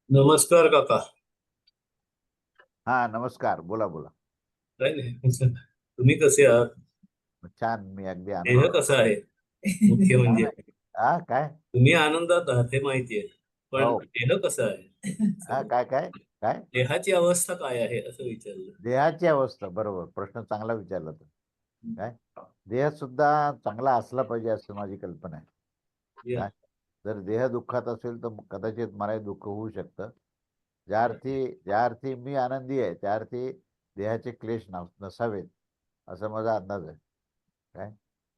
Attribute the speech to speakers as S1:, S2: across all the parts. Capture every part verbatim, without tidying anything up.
S1: नमस्कार काका.
S2: हा नमस्कार. बोला बोला.
S1: काय नाही. तुम्ही कसे आहात?
S2: छान. मी अगदी
S1: देह
S2: आनंद.
S1: कसा आहे? मुख्य
S2: छान
S1: म्हणजे
S2: आहे. हा काय?
S1: तुम्ही आनंदात आहात हे माहितीये, पण
S2: हो.
S1: देह कसा आहे?
S2: हा काय काय काय
S1: देहाची अवस्था काय आहे असं विचारलं.
S2: देहाची अवस्था. बरोबर, प्रश्न चांगला विचारला तू. काय देह सुद्धा चांगला असला पाहिजे असं माझी कल्पना आहे.
S1: या.
S2: काय जर देह दुःखात असेल तर कदाचित मलाही दुःख होऊ शकतं. ज्या अर्थी ज्या अर्थी मी आनंदी आहे त्या अर्थी देहाचे क्लेश नस- नसावेत असा माझा अंदाज आहे. काय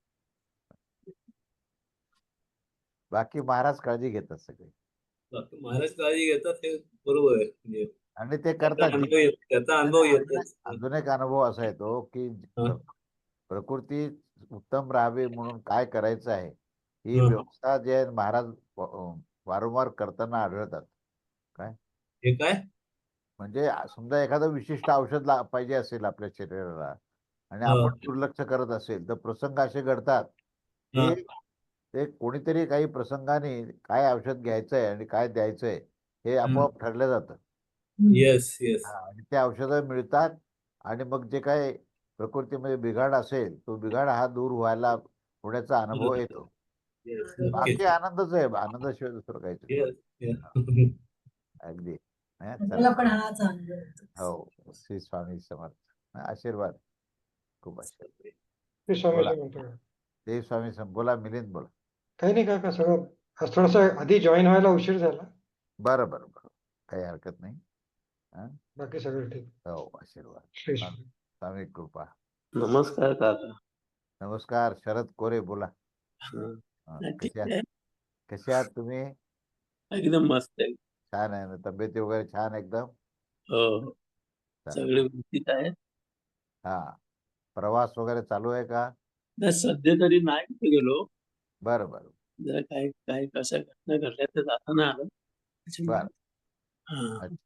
S2: बाकी महाराज काळजी घेतात सगळे.
S1: बाकी महाराज काळजी घेतात हे बरोबर आहे. म्हणजे
S2: आणि ते
S1: त्याचा
S2: करतात.
S1: अनुभव येत त्याचा
S2: नाही,
S1: अनुभव
S2: नाही, अजून
S1: येतच.
S2: अजून एक अनुभव असा येतो की
S1: हा,
S2: प्र- प्रकृती उत्तम राहावी म्हणून काय करायचं आहे ही
S1: हा.
S2: व्यवस्था जे आहे महाराज व- वारंवार करताना आढळतात. काय
S1: हे काय?
S2: म्हणजे समजा एखादं विशिष्ट औषध ला- पाहिजे असेल आपल्या शरीराला आणि
S1: हा,
S2: आपण दुर्लक्ष करत असेल तर प्रसंग असे घडतात
S1: हा.
S2: की ते कोणीतरी काही प्रसंगाने काय औषध घ्यायचंय आणि काय द्यायचंय हे आपोआप ठरलं जातं.
S1: Yes, yes.
S2: हा, आणि ते औषधं मिळतात आणि मग जे काही प्रकृतीमध्ये बिघाड असेल तो बिघाड हा दूर व्हायला होण्याचा अनुभव येतो.
S1: येस. ओके.
S2: बाकी आनंदच आहे. आनंदाशिवाय दुसरं काहीच नाही.
S1: येस.
S2: हा, अगदी. हा, चला.
S3: मला पण हाच अनुभव होता.
S2: हो, श्री स्वामी समर्थ. हा, आशीर्वाद. खूप आशीर्वाद.
S4: ते
S2: बोला.
S4: स्वामीजी म्हणतो का?
S2: देव स्वामी सम बोला. मिलिंद बोला.
S4: काही नाही काका, सगळं आज थोडासा आधी जॉईन व्हायला उशीर झाला.
S2: बरं बरं बरं. काही हरकत नाही. हा,
S4: बाकी सगळं ठीक.
S2: हो, आशीर्वाद.
S4: श्री
S2: स्वामी
S4: स्वामी.
S2: स्वामी कृपा.
S5: नमस्कार काका.
S2: नमस्कार. शरद कोरे बोला.
S5: हं.
S2: हा,
S5: नाही, ठीक
S2: कसे आहात?
S5: आहे.
S2: कसे आहात तुम्ही?
S5: एकदम मस्त आहे.
S2: छान आहे ना. तब्येती वगैरे छान एकदम.
S5: हो, हो.
S2: चला.
S5: सगळे व्यवस्थित आहेत.
S2: हा, प्रवास वगैरे चालू आहे का?
S5: नाही, सध्या तरी नाही कुठे गेलो.
S2: बरं बरं
S5: जरा काही काही कशा घटना घडल्या तर जाता नाही आलं. त्याच्यामुळे
S2: बरं.
S5: हां.
S2: अच्छा.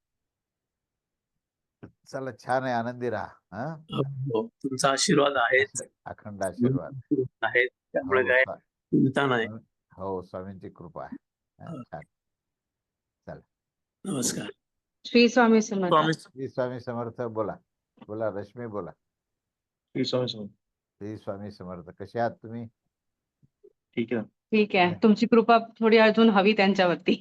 S2: चला, छान आहे. आनंदी राहा. हा,
S5: हो, हो. तुमचा आशीर्वाद आहेच.
S2: अखंड आशीर्वाद.
S5: आहेत. त्यामुळे
S2: हो
S5: काय
S2: स्वा-
S5: चिंता नाही.
S2: स्वामी- हो, स्वामींची कृपा आहे. हा,
S5: हो.
S2: छान. चला.
S5: नमस्कार.
S6: श्री स्वामी समर्थ.
S5: स्वामी
S2: श्री स्वामी समर्थ. बोला बोला. रश्मी बोला.
S5: श्री स्वामी समर्थ.
S2: श्री स्वामी समर्थ. कसे आहात तुम्ही?
S5: ठीक आहे.
S6: ठीक आहे, तुमची कृपा थोडी अजून हवी त्यांच्यावरती.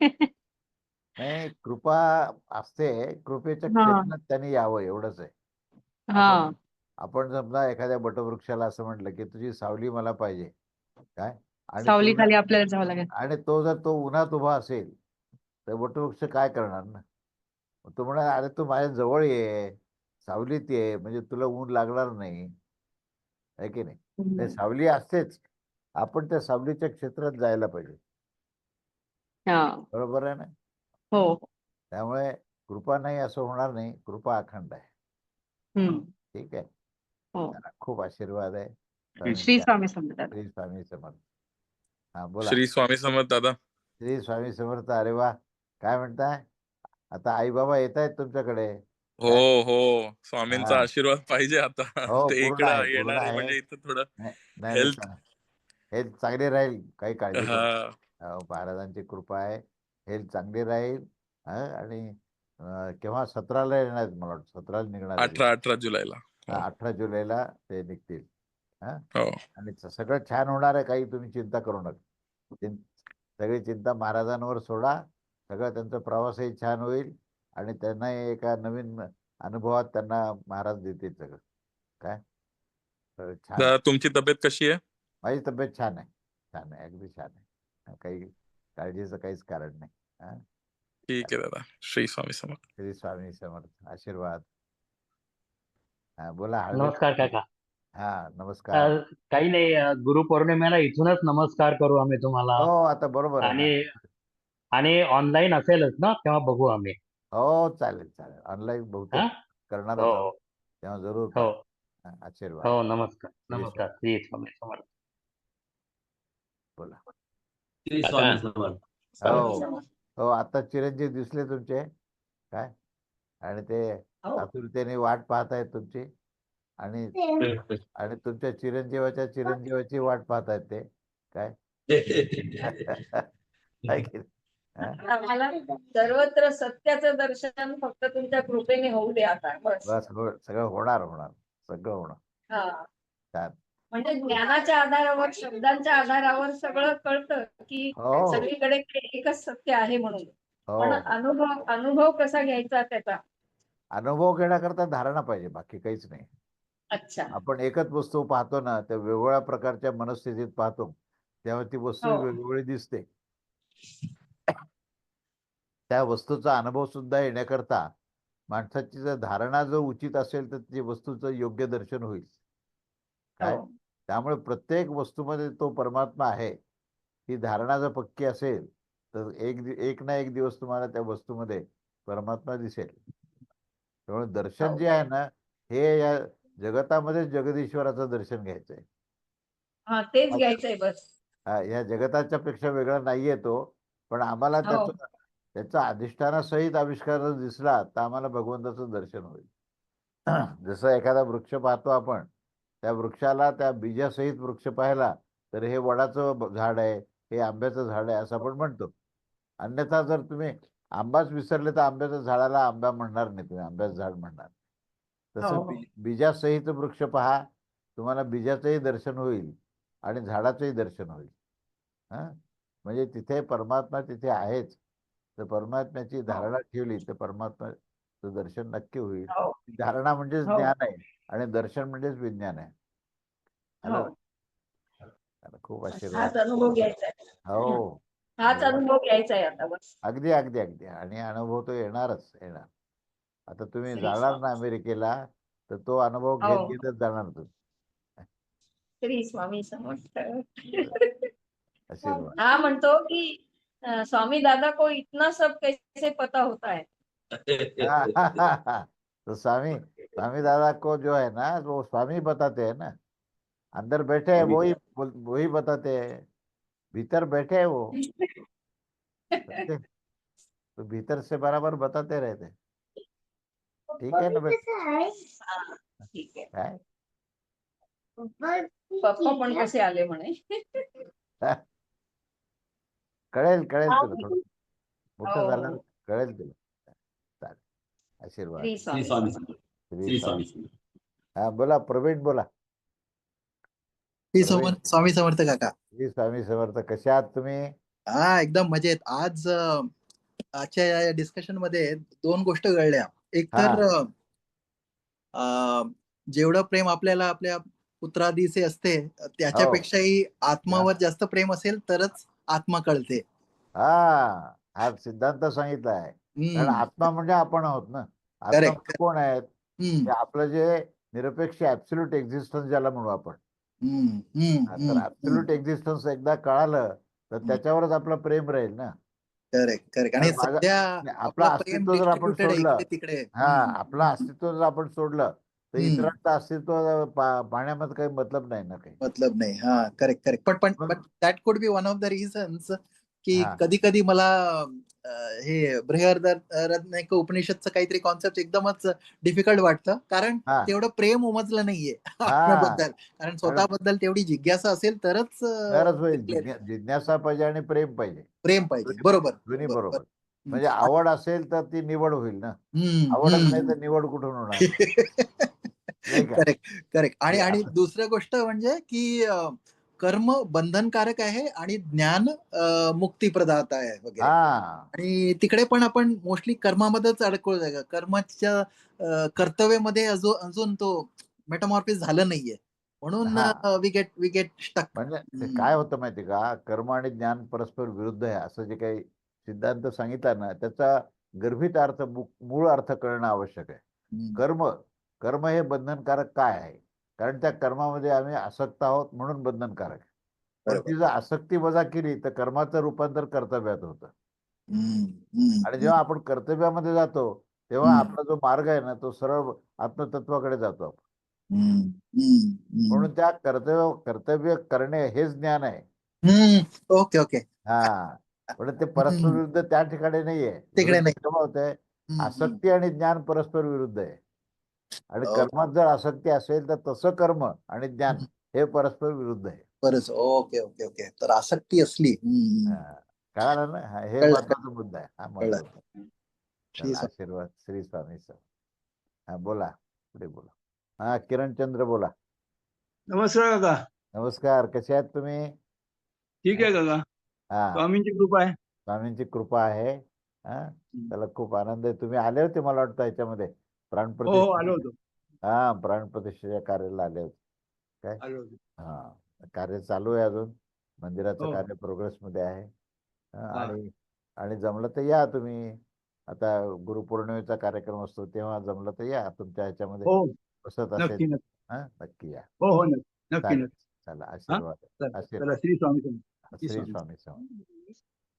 S2: नाही, कृपा असते. कृपेच्या
S6: हा
S2: क्षेत्रात त्यांनी यावं एवढंच आहे.
S6: हा
S2: आपण आपण समजा एखाद्या वटवृक्षाला असं म्हटलं की तुझी सावली मला पाहिजे. काय आणि तो
S6: सावलीखाली
S2: जर
S6: आपल्याला जावं लागेल.
S2: आणि तो जर तो उन्हात उभा असेल तर वटवृक्ष काय करणार ना? मग तो म्हणा, अरे तू माझ्या जवळ ये, सावलीत ये, म्हणजे तुला ऊन लागणार नाही. आहे की नाही? ते
S6: हम्म.
S2: सावली असतेच. आपण त्या सावलीच्या क्षेत्रात जायला पाहिजे.
S6: हा
S2: बरोबर आहे ना?
S6: हो.
S2: त्यामुळे कृपा नाही असं होणार नाही. कृपा अखंड आहे.
S6: हम्म.
S2: ठीक आहे.
S6: हो.
S2: चला, खूप आशीर्वाद आहे
S6: श्री
S2: स्वामींच्या.
S6: स्वामी समर्थ.
S2: श्री स्वामी समर्थ. हा, बोला.
S7: श्री स्वामी समर्थ दादा.
S2: श्री स्वामी समर्थ. अरे वा, काय म्हणताय? आता आई बाबा येत आहेत तुमच्याकडे?
S7: हो
S2: काय?
S7: हो, स्वामींचा
S2: हा.
S7: आशीर्वाद पाहिजे आता.
S2: हो,
S7: ते
S2: पूर्ण
S7: इकडं
S2: आहे. पूर्ण
S7: येणार आहे
S2: आहे.
S7: म्हणजे इथं थोडं
S2: नाही नाही नाही,
S7: हेल्थ.
S2: चा- हेल्थ चांगली राहील. काही काळजी करू
S7: हा,
S2: नका. हो, महाराजांची कृपा आहे. हेल्थ चांगली राहील. हा, आणि अं, केव्हा सतराला येणार आहेत मला वाटतं. सतराला निघणार आहे.
S7: अठरा अठरा जुलैला. हो
S2: अठरा जुलैला ते निघतील. हा,
S7: हो.
S2: आणि स- सगळं छान होणार आहे. काही तुम्ही चिंता करू नका. चिं- सगळी चिंता महाराजांवर सोडा. सगळं त्यांचा प्रवासही छान होईल आणि त्यांना एका नवीन अनुभवात त्यांना महाराज देतील सगळं. काय तर छान आहे.
S7: दादा, तुमची तब्येत कशी आहे?
S2: माझी तब्येत छान आहे. छान आहे. अगदी छान आहे. काही काळजीचं काहीच कारण नाही. हा,
S7: ठीक आहे दादा. श्री स्वामी समर्थ.
S2: श्री स्वामी समर्थ. आशीर्वाद. हा, बोला. हळवे.
S3: नमस्कार काका.
S2: हा,
S3: अ,
S2: नमस्कार.
S3: काही नाही, अ, गुरुपौर्णिमेला इथूनच नमस्कार करू आम्ही तुम्हाला.
S2: हो, आता बरोबर आहे ना.
S3: आणि आणि ऑनलाईन असेलच ना, तेव्हा बघू आम्ही.
S2: हो, चालेल चालेल. ऑनलाईन
S3: हा.
S2: बहुतेक
S3: हो
S2: करणारच आहोत. तेव्हा जरूर
S3: हो
S2: पाहा. हा, आशीर्वाद.
S3: हो. नमस्कार
S2: श्री
S3: नमस्कार.
S2: स्वामी.
S3: श्री स्वामी समर्थ.
S2: बोला.
S5: श्री
S3: काका.
S5: स्वामी समर्थ.
S2: हो हो, आता चिरंजीव दिसले तुमचे. काय आणि ते आतुरतेने वाट पाहत आहेत तुमची. आणि आणि तुमच्या चिरंजीवाच्या चिरंजीवाची वाट पाहत आहेत ते. काय आहे की नाही? हा?
S8: आम्हाला सर्वत्र सत्याचं दर्शन फक्त तुमच्या कृपेने होऊ दे आता बस.
S2: बस हो सगळं होणार होणार सगळं होणार.
S8: हा.
S2: छान.
S8: म्हणजे ज्ञानाच्या आधारावर शब्दांच्या आधारावर सगळं कळतं की
S2: हो
S8: सगळीकडे एकच सत्य आहे म्हणून. पण
S2: हो
S8: अनुभव अनुभव कसा घ्यायचा त्याचा.
S2: अनुभव घेण्याकरता धारणा पाहिजे, बाकी काहीच नाही.
S8: अच्छा.
S2: आपण एकच वस्तू पाहतो ना, त्या वेगवेगळ्या प्रकारच्या मनस्थितीत पाहतो, तेव्हा ती वस्तू
S8: हो.
S2: वेगवेगळी दिसते. त्या वस्तूचा अनुभव सुद्धा येण्याकरता माणसाची जर धारणा जर उचित असेल तर ती वस्तूचं योग्य दर्शन होईल. काय
S8: हो.
S2: त्यामुळे प्रत्येक वस्तूमध्ये तो परमात्मा आहे ही धारणा जर पक्की असेल तर एक दि- एक ना एक दिवस तुम्हाला त्या वस्तूमध्ये परमात्मा दिसेल. त्यामुळे दर्शन
S8: हो.
S2: जे आहे ना, हे या जगतामध्ये जगदीश्वराचं दर्शन घ्यायचंय.
S8: हा तेच घ्यायचंय बस.
S2: हा, या जगताच्या पेक्षा वेगळा नाहीये तो, पण आम्हाला
S8: हो.
S2: त्याचं त्याचा अधिष्ठानासहित आविष्कार जर दिसला तर आम्हाला भगवंताचं दर्शन होईल. जसं एखादा वृक्ष पाहतो आपण, त्या वृक्षाला त्या बीजासहित वृक्ष पाहिला तर हे वडाचं ब- झाड आहे, हे आंब्याचं झाड आहे असं आपण म्हणतो. अन्यथा जर तुम्ही आंबाच विसरले तर आंब्याच्या झाडाला आंबा म्हणणार नाही, तुम्ही आंब्याचं झाड म्हणणार. तसं
S8: हो, हो.
S2: बी बीजासहित वृक्ष पहा, तुम्हाला बीजाचंही दर्शन होईल आणि झाडाचंही दर्शन होईल. हा, म्हणजे तिथे परमात्मा तिथे आहेच. तर परमात्म्याची धारणा ठेवली तर परमात्म्याचं दर्शन नक्की होईल.
S8: हो.
S2: धारणा म्हणजेच
S8: हो.
S2: ज्ञान आहे आणि दर्शन म्हणजेच विज्ञान आहे.
S8: हो.
S2: आलं? आलं, खूप आशीर्वाद.
S8: हाच अनुभव घ्यायचा आहे.
S2: हो
S8: हाच अनुभव घ्यायचा आहे आता बस.
S2: अगदी अगदी अगदी आणि अनुभव तो येणारच येणार. आता तुम्ही
S8: श्री
S2: जाणार
S8: स्वामी.
S2: ना अमेरिकेला तर तो अनुभव घेत
S8: हो.
S2: घेतच जाणार तुम्ही.
S8: श्री स्वामी समर्थ.
S2: आशीर्वाद.
S8: हा म्हणतो की अं, स्वामी दादा को इतना सब कैसे पता होता है.
S2: तो स्वामी स्वामी दादा को जो है ना वो स्वामी बताते हैं ना, अंदर बैठे हैं वही बोल- वही बताते हैं, भीतर बैठे हैं वो समझे? तो भीतर से बराबर बताते रहते. ठीक आहे ना बेटा?
S8: हा, ठीक आहे.
S2: काय
S8: पप्पा पण कसे आले म्हणे.
S2: कळेल कळेल तुला थोडं
S8: हो.
S2: मोठं झालं कळेल तुला. चालेल. आशीर्वाद.
S8: श्री
S1: श्री
S8: स्वामी
S1: स्वामी
S8: समर्थ.
S1: समर्थ.
S2: श्री
S1: श्री
S2: स्वामी.
S1: स्वामी समर्थ.
S2: हा बोला प्रवीण बोला.
S9: श्री
S2: प्रवीण.
S9: समर्थ स्वामी समर्थ काका.
S2: श्री स्वामी समर्थ. कशा आहात तुम्ही?
S9: हा एकदम मजेत. आज अं, आजच्या या डिस्कशन मध्ये दोन गोष्ट घडल्या. एक तर अं, अं, जेवढं प्रेम आपल्याला आपल्या पुत्रादीचे असते त्याच्यापेक्षाही आत्मावर जास्त प्रेम असेल तरच आत्मा कळते.
S2: हा हा सिद्धांत सांगितला आहे. कारण
S9: हम्म
S2: आत्मा म्हणजे आपण आहोत ना. आत्मा
S9: Correct.
S2: म्हणजे कोण आहेत?
S9: हम्म
S2: ते आपलं जे निरपेक्ष ऍब्सोल्यूट एक्झिस्टन्स ज्याला म्हणू आपण.
S9: हम्म हम्म
S2: हा, तर
S9: हम्म
S2: ऍब्सोल्यूट एक्झिस्टन्स एकदा कळालं तर त्याच्यावरच आपलं प्रेम राहील ना.
S9: Correct correct. आणि
S2: तर माझं-
S9: सध्या
S2: आपलं
S9: आपलं प्रेम
S2: अस्तित्व जर आपण
S9: डिस्ट्रीब्युटेड आहे
S2: सोडलं,
S9: इकडे तिकडे.
S2: हा
S9: हम्म,
S2: आपलं अस्तित्व जर आपण सोडलं तर
S9: हम्म.
S2: इतरांचं अस्तित्व पा- पाहण्यामध्ये काही मतलब नाही ना काही.
S9: मतलब नाही. हा करेक्ट करेक्ट. पण पण
S2: मग-
S9: but that could be one of the reasons की
S2: हा.
S9: कधी कधी मला अं, हे बृहदारण्यक उपनिषदचं काहीतरी कॉन्सेप्ट एकदमच डिफिकल्ट वाटतं. कारण
S2: हा.
S9: तेवढं प्रेम उमजलं नाहीये
S2: हा.
S9: आपल्याबद्दल. कारण स्वतःबद्दल तेवढी जिज्ञासा असेल तरच अं,
S2: तरच होईल.
S9: clear.
S2: जिज्ञा- जिज्ञासा पाहिजे आणि प्रेम पाहिजे.
S9: प्रेम पाहिजे. बरोबर
S2: दोन्ही
S9: बरोबर.
S2: बरोबर. म्हणजे आवड असेल तर ती निवड होईल ना.
S9: हम्म,
S2: आवडच
S9: हम्म.
S2: नाही तर निवड कुठून होणार? नाही का?
S9: Correct correct. आणि
S2: हे
S9: आणि
S2: असं-
S9: दुसरं गोष्ट म्हणजे की अं, कर्म बंधनकारक आहे आणि ज्ञान अं, मुक्तीप्रदाता आहे वगैरे.
S2: हा
S9: आणि तिकडे पण आपण मोस्टली कर्मामध्येच अडकलो जागा. कर्माच्या अं, कर्तव्यामध्ये अजून अजून तो मेटामॉर्फिस झालं नाहीये. म्हणून
S2: हा.
S9: We get we get stuck.
S2: म्हणजे ते काय होतं माहिती का, कर्म आणि ज्ञान परस्पर विरुद्ध आहे असं जे काही सिद्धांत सांगितला ना, त्याचा गर्भित अर्थ मू- मूळ अर्थ कळणं आवश्यक आहे. कर्म कर्म हे बंधनकारक काय आहे? कारण त्या कर्मामध्ये आम्ही आसक्त आहोत म्हणून बंधनकारक आहे. पण ती जर आसक्ती वजा केली तर कर्माचं रूपांतर कर्तव्यात होतं. आणि जेव्हा आपण कर्तव्यामध्ये जातो तेव्हा
S9: हम्म.
S2: आपला जो मार्ग आहे ना तो सरळ आत्मतत्वाकडे जातो आपण. म्हणून त्या कर्तव्य कर्तव्य करणे हेच ज्ञान आहे.
S9: Okay okay.
S2: हा पण ते परस्पर विरुद्ध त्या ठिकाणी नाहीये.
S9: तिकडे
S2: विरुद्ध
S9: नाही.
S2: केव्हा होतंय?
S9: हम्म, हम्म.
S2: आसक्ती आणि ज्ञान परस्पर विरुद्ध आहे. आणि
S9: हो.
S2: कर्मात जर आसक्ती असेल तर तसं कर्म आणि ज्ञान
S9: हम्म.
S2: हे परस्पर विरुद्ध आहे.
S9: बरंच. Okay okay okay. तर आसक्ती असली. हम्म.
S2: हा. कळालं ना हा, हे
S9: कळलं,
S2: महत्वाचा मुद्दा आहे हा
S9: कळलं.
S2: महत्वाचा
S9: श्री
S2: चला,
S9: स्वामी.
S2: आशीर्वाद श्री स्वामी सर हा बोला पुढे बोला हा किरणचंद्र बोला.
S5: नमस्कार काका.
S2: नमस्कार कसे आहात तुम्ही?
S5: ठीक आहे काका.
S2: हा
S5: स्वामींची कृपा आहे.
S2: स्वामींची कृपा आहे. हा त्याला खूप आनंद आहे. तुम्ही आले होते मला वाटतं याच्यामध्ये
S5: हो हो
S2: प्राणप्रतिष्ठा
S5: आलो होतो
S2: हा प्राणप्रतिष्ठेच्या कार्याला आले होते काय
S5: आलो होतो.
S2: हा कार्य चालू आहे अजून मंदिराचं
S5: हो.
S2: कार्य प्रोग्रेस मध्ये आहे. हा,
S5: हा.
S2: आणि आणि जमलं तर या तुम्ही. आता गुरुपौर्णिमेचा कार्यक्रम असतो तेव्हा जमलं तर या तुमच्या ह्याच्यामध्ये
S5: हो
S2: बसत
S5: नक्की
S2: असेल
S5: नक्की.
S2: हा नक्की या.
S5: हो हो नक्की नक्की
S2: चालेल
S5: नक्की.
S2: चला
S5: हा
S2: आशीर्वाद
S5: चला चला
S2: आशीर्वाद
S5: श्री स्वामी समर्थ. श्री
S2: श्री
S5: स्वामी.
S2: स्वामी समर्थ.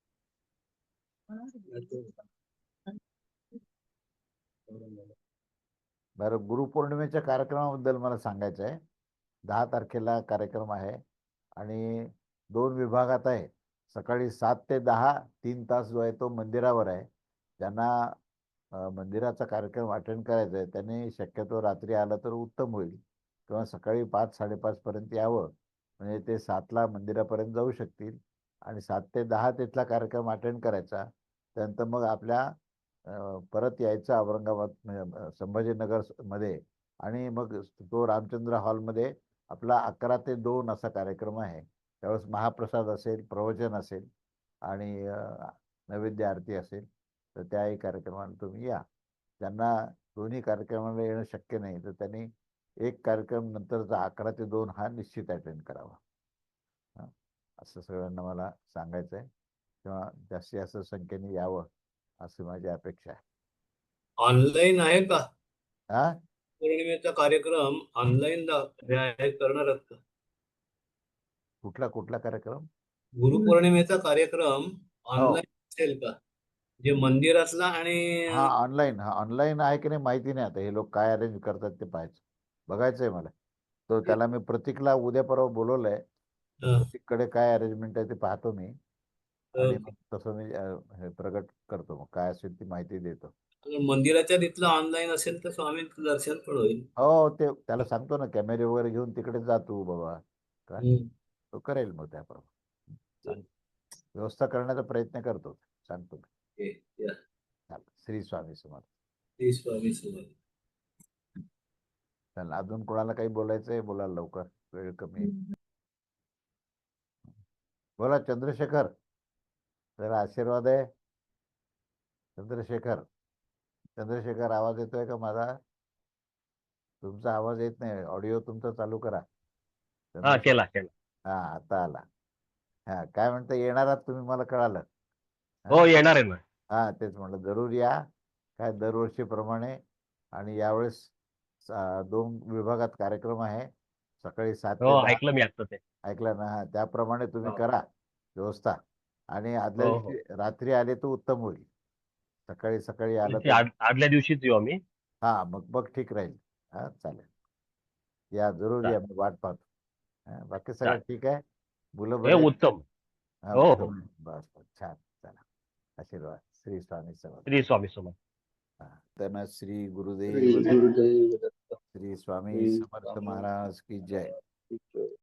S2: बरं गुरुपौर्णिमेच्या कार्यक्रमाबद्दल मला सांगायचं आहे. दहा तारखेला कार्यक्रम आहे आणि दोन विभागात आहे. सकाळी सात ते दहा तीन तास जो आहे तो मंदिरावर आहे. ज्यांना अ, मंदिराचा कार्यक्रम अटेंड करायचा आहे त्यांनी शक्यतो रात्री आलं तर उत्तम होईल किंवा सकाळी पाच साडेपाच पर्यंत यावं म्हणजे ते सातला मंदिरापर्यंत जाऊ शकतील आणि सात ते दहा तिथला कार्यक्रम अटेंड करायचा. त्यानंतर मग आपल्या अ, परत यायचं औरंगाबाद म्हणजे अ, संभाजीनगर स- मध्ये आणि मग तो रामचंद्र हॉलमध्ये आपला अकरा ते दोन असा कार्यक्रम आहे. त्यावेळेस महाप्रसाद असेल प्रवचन असेल आणि अ, नैवेद्य आरती असेल तर त्याही कार्यक्रमाला तुम्ही या. ज्यांना दोन्ही कार्यक्रमाला येणं शक्य नाही तर त्यांनी एक कार्यक्रम नंतरचा अकरा ते दोन हा निश्चित अटेंड करावा. हा, असं सगळ्यांना मला सांगायचं आहे किंवा जास्तीत जास्त संख्येने यावं अशी माझी अपेक्षा आहे.
S1: ऑनलाईन आहे का
S2: हा
S1: पौर्णिमेचा कार्यक्रम? ऑनलाईन करणार आहात का?
S2: कुठला कुठला कार्यक्रम?
S1: गुरुपौर्णिमेचा कार्यक्रम
S2: हो
S1: ऑनलाईन असेल का? जे मंदिरातला आणि
S2: हा ऑनलाईन हा ऑनलाईन आहे की नाही माहिती नाही. आता हे लोक काय अरेंज करतात ते पाहायचं बघायचं आहे मला. तो त्याला मी प्रतीकला उद्या परवा बोलवलंय.
S1: अं,
S2: प्रतीककडे काय अरेंजमेंट आहे ते पाहतो मी आणि
S1: अं,
S2: मग तसं मी अ, हे प्रगट करतो. मग काय असेल ती माहिती देतो.
S1: मंदिराच्या तिथलं ऑनलाईन असेल तर स्वामींचं दर्शन पण होईल.
S2: हो ते त्याला सांगतो ना कॅमेरे वगैरे घेऊन तिकडे जा तू बाबा काय
S1: हम्म.
S2: तो करेल मग त्याप्रमाणे सांग व्यवस्था करण्याचा प्रयत्न करतो सांगतो मी.
S1: हे, या.
S2: चालेल. श्री स्वामी समर्थ.
S1: श्री स्वामी समर्थ.
S2: चला अजून कोणाला काही बोलायचं आहे बोला लवकर वेळ कमी आहे. बोला चंद्रशेखर जरा आशीर्वाद आहे. चंद्रशेखर चंद्रशेखर आवाज येतोय का माझा? तुमचा आवाज येत नाही. ऑडिओ तुमचा चालू करा.
S3: हा
S2: चंद्रशेखर
S3: केला केला.
S2: हा आता आला. हा काय म्हणता येणार आहात तुम्ही मला कळालं.
S3: हो येणार आहे ना.
S2: हा तेच म्हटलं जरूर या काय दरवर्षीप्रमाणे आणि यावेळेस सा- दोन विभागात कार्यक्रम आहे. सकाळी सात
S3: हो
S2: ते दहा
S3: ऐकलं मी आता ते.
S2: ऐकलं ना हा त्याप्रमाणे तुम्ही
S3: हो.
S2: करा व्यवस्था आणि आदल्या
S3: हो, हो.
S2: दिवशी रात्री आले तर उत्तम होईल. सकाळी सकाळी आलं
S3: त्याची
S2: तर
S3: आड- आदल्या दिवशीच येऊ आम्ही.
S2: हा मग मग ठीक राहील. हा चालेल या जरूर या मी वाट पाहतो. हा, बाकी सगळं
S3: चालेल.
S2: ठीक आहे. मुलं
S3: हे
S2: बरे आहेत?
S3: उत्तम.
S2: हा,
S3: हो,
S2: उत्तम
S3: हो.
S2: आहे. बस बस छान चला आशीर्वाद श्री स्वामी समर्थ.
S3: श्री स्वामी समर्थ.
S2: हा, त्यांना श्री गुरुदेव
S5: श्री
S2: दत्त.
S5: गुरुदेव दत्त.
S2: श्री स्वामी
S5: श्री
S2: समर्थ
S5: स्वामी
S2: महाराज की जय.
S5: समर्थ.